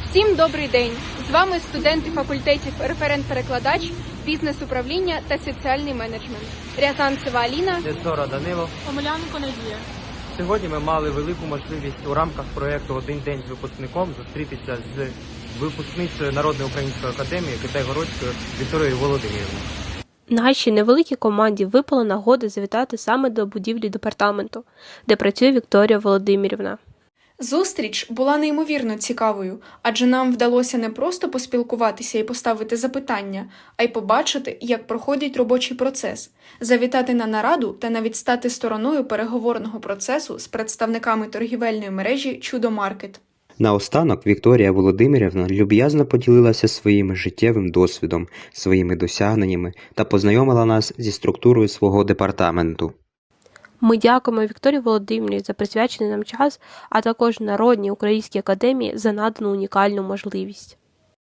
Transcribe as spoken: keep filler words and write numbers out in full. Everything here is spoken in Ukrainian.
Всім добрий день! З вами студенти факультетів референт-перекладач, бізнес-управління та соціальний менеджмент. Рязанцева Аліна, Децора Данило. Омеляненко Надія. Сьогодні ми мали велику можливість у рамках проєкту «Один день з випускником» зустрітися з випускницею Народної української академії Китай-Городською Вікторією Володимирівною. Нашій невеликій команді випала нагода завітати саме до будівлі департаменту, де працює Вікторія Володимирівна. зустріч була неймовірно цікавою, адже нам вдалося не просто поспілкуватися і поставити запитання, а й побачити, як проходить робочий процес, завітати на нараду та навіть стати стороною переговорного процесу з представниками торгівельної мережі «Чудо-маркет». Наостанок Вікторія Володимирівна люб'язно поділилася своїм життєвим досвідом, своїми досягненнями та познайомила нас зі структурою свого департаменту. Ми дякуємо Вікторії Володимирівні за присвячений нам час, а також Народній українській академії за надану унікальну можливість.